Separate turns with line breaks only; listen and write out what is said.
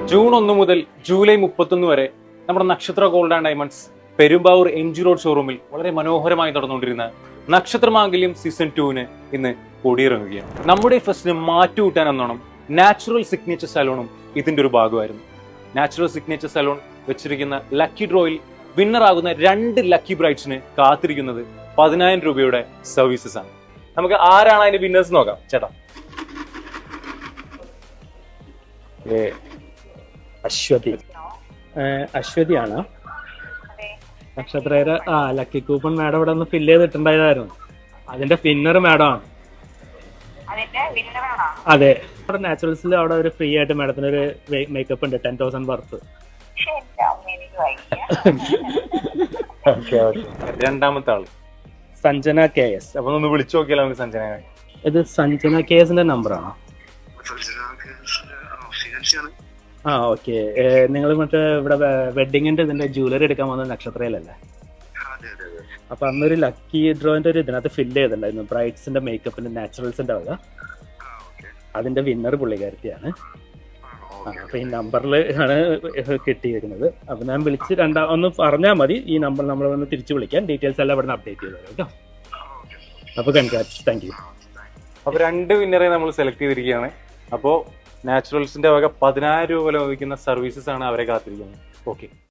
June 1 മുതൽ July 31 വരെ നമ്മുടെ Nakshatra gold and diamonds Perumbavoor MG road ഷോറൂമിൽ വളരെ മനോഹരമായി നടന്നുകൊണ്ടിരുന്ന നക്ഷത്രമാംഗല്യം സീസൺ 2 ഇന്ന് കൊടിയിറങ്ങുകയാണ്. നമ്മുടെ ഫെസ്റ്റിന് മാറ്റുകൂട്ടാൻ എന്നോണം നാച്ചുറൽ സിഗ്നേച്ചർ സലൂണും ഇതിന്റെ ഒരു ഭാഗമായിരുന്നു. നാച്ചുറൽ സിഗ്നേച്ചർ സലൂൺ വെച്ചിരിക്കുന്ന ലക്കി ഡ്രോയിൽ വിന്നർ ആകുന്ന 2 ലക്കി ബ്രൈഡ്സിന് കാത്തിരിക്കുന്നത് 10,000 രൂപയുടെ സർവീസസ് ആണ്. നമുക്ക് ആരാണ് അതിന്റെ വിന്നേഴ്സ് നോക്കാം. ചേട്ടാ,
അശ്വതിയാണ് നക്ഷത്രയുടെ ലക്കി കൂപ്പൺ മാഡം ഇവിടെ ഒന്ന് ഫില്ല് ചെയ്തിട്ടുണ്ടായതായിരുന്നു. അതിന്റെ വിന്നർ മാഡം ആണ്. അതെ, അവിടെ നാച്ചുറൽസിൽ അവിടെ ഒരു ഫ്രീ ആയിട്ട് മാഡത്തിന് ഒരു മേക്കപ്പ് ഉണ്ട് 10,000 വർത്ത്.
രണ്ടാമത്തെ ആള്
സഞ്ജന KS.
അപ്പൊ ഒന്ന് വിളിച്ചു നോക്കിയാലോ നമുക്ക് സഞ്ജന.
ഇത് സഞ്ജന KSന്റെ നമ്പറാണോ? ഓക്കെ. നിങ്ങൾ മറ്റേ ഇവിടെ വെഡിങ്ങിന്റെ ഇതിന്റെ ജ്വല്ലറി എടുക്കാൻ വന്ന നക്ഷത്രയിലല്ലേ? അപ്പൊ അന്നൊരു ലക്കി ഡ്രോയിന്റെ ഒരു ഇതിനകത്ത് ഫില്ല് ചെയ്തിട്ടുണ്ടായിരുന്നു ബ്രൈഡ്സിന്റെ മേക്കപ്പിന്റെ നാച്ചുറൽസിന്റെ വക. അതിന്റെ വിന്നർ പുള്ളിക്കാരത്തിയാണ്. അപ്പൊ ഈ നമ്പറിൽ ആണ് കിട്ടിയിരിക്കുന്നത്. അപ്പൊ ഞാൻ വിളിച്ച് ഒന്ന് പറഞ്ഞാൽ മതി. ഈ നമ്പർ നമ്മൾ വന്ന് തിരിച്ചു വിളിക്കാൻ. ഡീറ്റെയിൽസ് എല്ലാം ഇവിടെ അപ്ഡേറ്റ് ചെയ്തു കേട്ടോ. അപ്പൊ കൺഗ്രാറ്റ്സ്, താങ്ക് യു.
അപ്പൊ 2 വിന്നറെ നമ്മൾ സെലക്ട് ചെയ്തിരിക്കുകയാണ്. അപ്പോ നാച്ചുറൽസിന്റെ വക 10,000 രൂപ ലഭിക്കുന്ന സർവീസസ് ആണ് അവരെ കാത്തിരിക്കുന്നത്. ഓക്കെ.